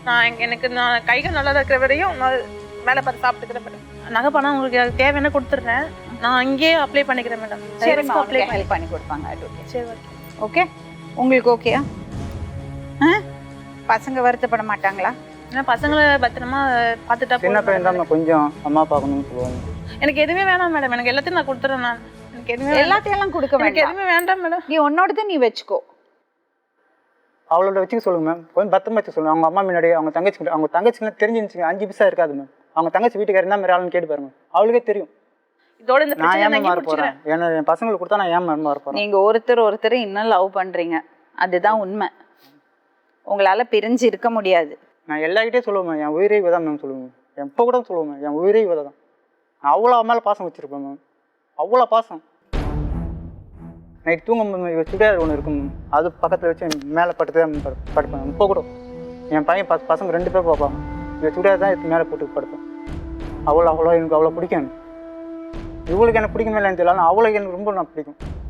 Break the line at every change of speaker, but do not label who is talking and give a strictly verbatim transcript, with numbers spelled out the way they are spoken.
நான் எங்க- எனக்கு நான் கைகள் நல்லா இருக்கிற வரையும் நான் மேலே பார்த்து சாப்பிட்டுக்கிறேன் மேடம். நகை பணம் உங்களுக்கு எனக்கு தேவையான கொடுத்துட்றேன். நான் இங்கேயே அப்ளை பண்ணிக்கிறேன் மேடம்.
சரிம்மா,
அப்ளை
உங்களுக்கு ஹெல்ப் பண்ணி கொடுப்பாங்க. advocate.
சரி ஓகே.
ஓகே, உங்களுக்கு ஓகேயா? ஆ பசங்க வருத்தப்பட மாட்டாங்களா?
ஏன்னா பசங்களை பத்திரமா பார்த்துட்டா
சின்ன
போதும்
பையன்
madam.
தான் கொஞ்சம் அம்மா பார்க்கணும்னு சொல்லுவாங்க.
எனக்கு எதுவுமே வேணாம் மேடம். எனக்கு எல்லாத்தையும் நான் கொடுத்துறேன். நான் எனக்கு எதுவுமே வேண்டாம்.
எல்லாத்தையும் எல்லாம் கொடுக்க
எனக்கு
வேண்டாம்.
எதுவுமே வேண்டாம் மேடம்.
நீ உன்னோடது நீ வச்சுக்கோ.
அவளோட வச்சுக்க சொல்லுங்க மேம். கொஞ்சம் பத்திரமா வச்சுக்க சொல்லுங்க. அவங்க அம்மா முன்னாடி அவங்க தங்கச்சி அவங்க தங்கச்சிக்கு தெரிஞ்சுன்னு அஞ்சு பைசா இருக்காது மேம். அவங்க தங்கச்சி வீட்டுக்காரர் என்ன மாதிரி ஆளுன்னு கேட்டு பாருங்க. அவளுக்கே தெரியும்.
இதோட இந்த
நான்
பிரச்சனை
ஏன்
நான்
மாற
இங்கே
போறேன்?
முடிச்சுக்கிறேன்.
ஏன்னா என் பசங்களுக்கு கொடுத்தா நான் ஏன் மேம் மாற போறேன்?
நீங்க ஒருத்தர் ஒருத்தர் இன்னும் லவ் பண்றீங்க, அதுதான் உண்மை. உங்களால பிரிஞ்சு இருக்க முடியாது.
நான் எல்லார்கிட்டயும் சொல்லுவேன், என் உயிரே இவ தான் மேம் சொல்லுவேன். எப்போ கூட சொல்லுவேன், என் உயிரே இவ தான். நான் அவ்வளோ மேலே பாசம் வச்சிருப்பேன் மேம். அவ்வளோ பாசம். நைட் தூங்கும் இவ சுடியார் ஒன்று இருக்கும் மேம். அது பக்கத்தில் வச்சு மேலே படுத்து படுப்பேன். இப்போ கூட என் பையன் பச பசங்க ரெண்டு பேர் பார்ப்பாங்க. இவ சுடியார் தான் எடுத்து மேலே போட்டு படுப்பேன். அவ்வளோ அவ்வளோ எனக்கு அவ்வளோ பிடிக்கும். இவளுக்கு எனக்கு பிடிக்குமே இல்லைன்னு தெரியல, ஆனால் அவளுக்கு எனக்கு ரொம்ப நான் பிடிக்கும்.